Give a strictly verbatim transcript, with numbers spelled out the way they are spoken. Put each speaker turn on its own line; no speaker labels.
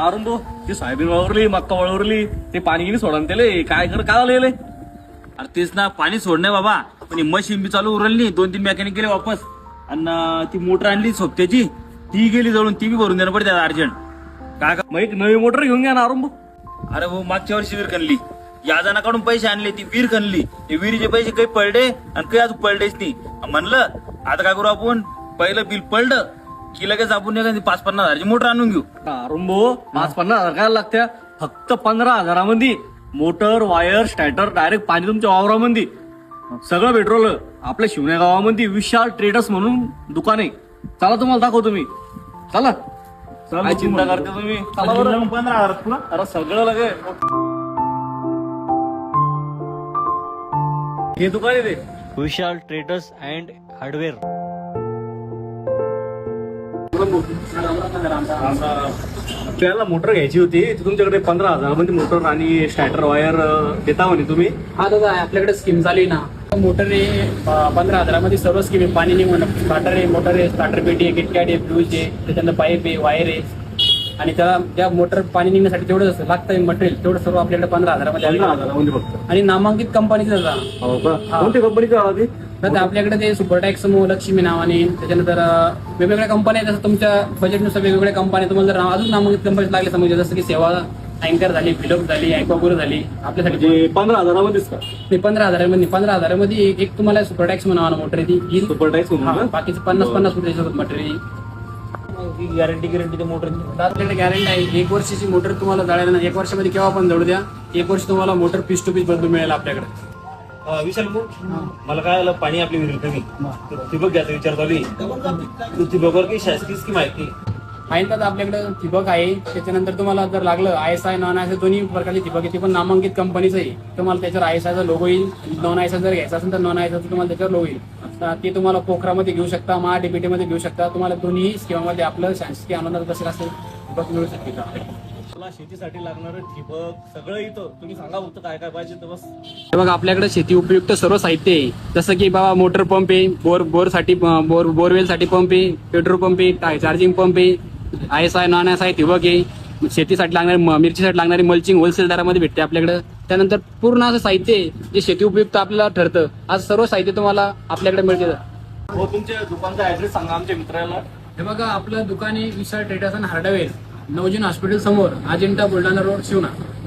अरुण भाऊ ती सोयाबीन वावरली मक्का वावरली ते पाणी गिनी सोडा त्याले काय कर काय झालं याले?
अरे तेच ना, पाणी सोडणे बाबा, पण मशीन बी चालू उरली, दोन तीन मेकॅनिक गेले वापस, आणि ती मोटर आणली सोबत्याची ती गेली जळून, ती बी भरून देणं पडते अर्जंट.
काय का मग एक नवी मोटर घेऊन घ्या ना अरुण भाऊ.
अरे भाऊ मागच्या वर्षी विहीर खणली, याजनाकडून पैसे आणले, ती विहीर खणली, ते विहिरीचे पैसे काही पडले आणि काही अजून पडलेच नाही. म्हणलं आता काय करू आपण, पहिलं बिल पडलं की लगेच आपण एखादी पाच पन्नास हजारची मोटर आणून घेऊ.
अरुण भाऊ पाच पन्नास हजार काय लागत्या, फक्त पंधरा हजारामध्ये मोटर वायर स्टार्टर डायरेक्ट पाणी तुमच्या वावरामध्ये सगळं पेट्रोल. आपल्या शिवण्या गावामध्ये विशाल ट्रेडर्स म्हणून दुकान आहे. चला तुम्हाला दाखवतो मी. चला काय चिंता करते तुम्ही, चला बरं.
पंधरा हजार तुला
अरे सगळं लगे हे दुकान आहे ते
विशाल ट्रेडर्स अँड हार्डवेअर.
आपल्याला मोटर घ्यायची होती, ती तुमच्याकडे पंधरा हजारामध्ये मोटर आणि स्टार्टर वायर देता म्हणे तुम्ही.
हा दादा आपल्याकडे स्कीम चालू आहे ना, मोटर आहे पंधरा हजारामध्ये सर्व स्कीम आहे. पाणी निघून स्टार्टर आहे, मोटर आहे, स्टार्टर पेटी आहे, किटकॅट आहे, फ्यूज आहे, त्याच्यानंतर पाईप आहे, वायर आहे, आणि त्याला त्या मोटर पाणी निघण्यासाठी तेवढं लागतं मटेरियल, तेवढं सर्व आपल्याकडे पंधरा हजारामध्ये
पंधरा हजारामध्ये फक्त.
आणि नामांकित कंपनीचं दादा.
हो का,
हा.
कोणत्या कंपनीचा आला ते?
दादा आपल्याकडे ते सुपरटॅक्स समूह लक्ष्मी नावाने, त्याच्यानंतर अं, वेगवेगळ्या कंपन्या आहेत. जसं तुमच्या बजेटनुसार वेगवेगळ्या कंपन्या तुम्हाला जर अजून नामांकित कंपनी लागले समजा, जसं की सेवा अँकर झाली, फिलप झाली, अँकोगुरु झाली, आपल्यासाठी
म्हणजे पंधरा हजारामध्येच का?
नाही पंधरा हजारामध्ये पंधरा हजारामध्ये एक एक तुम्हाला सुपरटॅक्स म्हणावा मोटर ती येईल.
सुपर टॅक्स म्हणून का?
बाकीचे पन्नास पन्नास रुपये मटेरियल.
गॅरंटी गॅरंटी त्या मोटर
आपल्याकडे गॅरंटी आहे, एक वर्षाची मोटर तुम्हाला जळायला नाही, एक वर्षामध्ये केव्हा पण जळू द्या, एक वर्ष तुम्हाला मोटर पीस टू पीस बदलून मिळेल आपल्याकडे.
विशाल भाऊ, मला काय आलं, पाणी आपली विहीर कमी, ठिबक घ्यायचा विचार चालू आहे. ठिबकवर काही शासकीय स्कीम आहे की?
आहे तर आपल्याकडे ठिबक आहे. त्याच्यानंतर तुम्हाला जर लागलं I S I non I S I दोन्ही प्रकारची ठिबक आहे, ती पण नामांकित कंपनीचं आहे. तुम्हाला त्याच्यावर आय एस आयचा लोगो येईल, नॉन आय एस आय जर घ्यायचा असेल तर नॉन आय एस आयचा तुम्हाला त्याच्यावर लोगो येईल. ते तुम्हाला पोखरामध्ये घेऊ शकता, महा डीपीटी मध्ये घेऊ शकता. तुम्हाला दोन्ही स्कीममध्ये आपलं शासकीय अनुदान कसं असेल ठिबक मिळू शकते.
मला शेतीसाठी लागणारं ठिबक सगळं इथं तुम्ही सांगा फक्त काय काय पाहिजे तर बस.
हे बघा आपल्याकडे शेती उपयुक्त सर्व साहित्य आहे, जसं की बाबा मोटर पंप आहे, बोर बोरसाठी बोर बोरवेलसाठी पंप आहे, पेट्रोल पंप आहे, चार्जिंग पंप आहे, I S I non I S I ठिबक आहे, शेतीसाठी लागणारी मिरचीसाठी लागणारी मल्चिंग होलसेल दरामध्ये भेटते आपल्याकडे. त्यानंतर पूर्ण असं साहित्य आहे जे शेती उपयुक्त आपल्याला ठरतं. आज सर्व साहित्य तुम्हाला आपल्याकडे मिळते.
हो, तुमच्या दुकानचा ऍड्रेस सांगा आमच्या मित्राला.
हे बघा आपलं दुकान आहे Vishal traders and hardware, Navjivan hospital समोर, अजिंठा बुलढाणा रोड, शिवना.